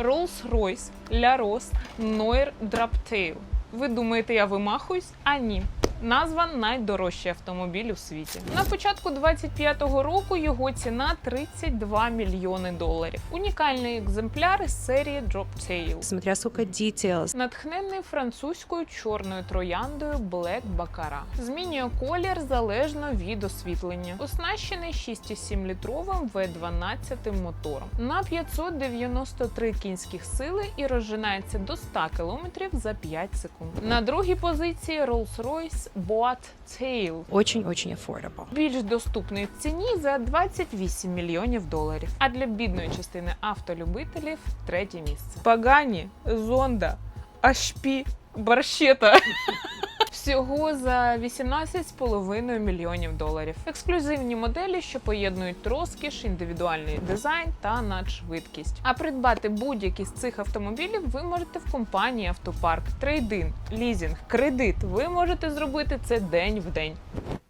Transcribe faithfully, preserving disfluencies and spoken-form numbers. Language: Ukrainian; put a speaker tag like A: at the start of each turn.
A: Rolls-Royce Laros Noir Draptail. Ви думаєте, я вимахуюсь? А ні. Назва найдорожчий автомобіль у світі. На початку двадцять п'ятого року його ціна тридцять два мільйони доларів. Унікальний екземпляр із серії Draptail.
B: Смотря сколько details.
A: Натхнений французькою чорною трояндою Black Baccarat. Змінює колір залежно від освітлення. Оснащений шість цілих сім літровим ве дванадцять мотором на п'ятсот дев'яносто три кінських сили і розжинається до ста кілометрів за п'ять секунд. На другій позиції Rolls-Royce Boat Tail.
B: Очень-очень affordable.
A: Більш доступний в ціні за двадцять вісім мільйонів доларів. А для бідної частини автолюбителів третє місце. Пагані, Зонда, ейч пі, Барщета. Всього за вісімнадцять з половиною мільйонів доларів. Ексклюзивні моделі, що поєднують розкіш, індивідуальний дизайн та надшвидкість. А придбати будь-які з цих автомобілів ви можете в компанії Автопарк. Трейдин, лізінг, кредит. Ви можете зробити це день в день.